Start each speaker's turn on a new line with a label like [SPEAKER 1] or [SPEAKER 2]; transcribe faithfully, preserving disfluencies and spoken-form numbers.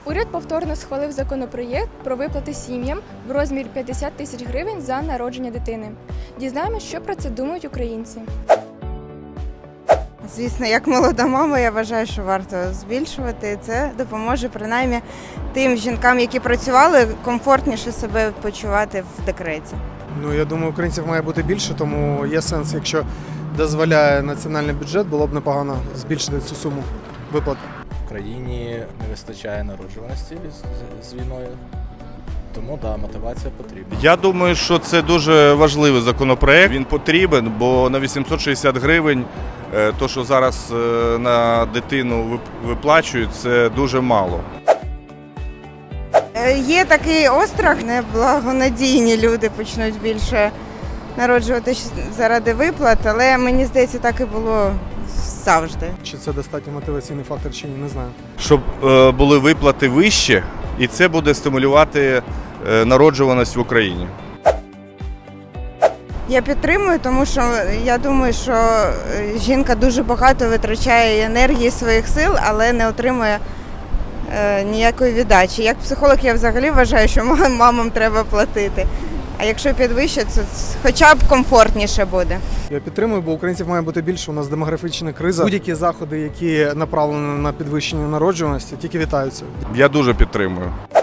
[SPEAKER 1] Уряд повторно схвалив законопроєкт про виплати сім'ям в розмірі п'ятдесят тисяч гривень за народження дитини. Дізнаємось, що про це думають українці.
[SPEAKER 2] Звісно, як молода мама, я вважаю, що варто збільшувати. Це допоможе принаймні тим жінкам, які працювали, комфортніше себе почувати в декреті.
[SPEAKER 3] Ну, я думаю, українців має бути більше, тому є сенс, якщо дозволяє національний бюджет, було б непогано збільшити цю суму виплат.
[SPEAKER 4] В країні не вистачає народжуваності з, з війною, тому да, мотивація потрібна.
[SPEAKER 5] Я думаю, що це дуже важливий законопроект. Він потрібен, бо на вісімсот шістдесят гривень, то, що зараз на дитину виплачують, це дуже мало.
[SPEAKER 2] Є такий острах, неблагонадійні люди почнуть більше народжувати заради виплат, але мені здається, так і було завжди.
[SPEAKER 3] Чи це достатньо мотиваційний фактор, чи ні, не знаю.
[SPEAKER 5] Щоб е, були виплати вищі, і це буде стимулювати е, народжуваність в Україні.
[SPEAKER 2] Я підтримую, тому що я думаю, що жінка дуже багато витрачає енергії, своїх сил, але не отримує е, ніякої віддачі. Як психолог я взагалі вважаю, що мамам треба платити. А якщо підвищать, то хоча б комфортніше буде.
[SPEAKER 3] Я підтримую, бо українців має бути більше, у нас демографічна криза. Будь-які заходи, які направлені на підвищення народжуваності, тільки вітаються.
[SPEAKER 5] Я дуже підтримую.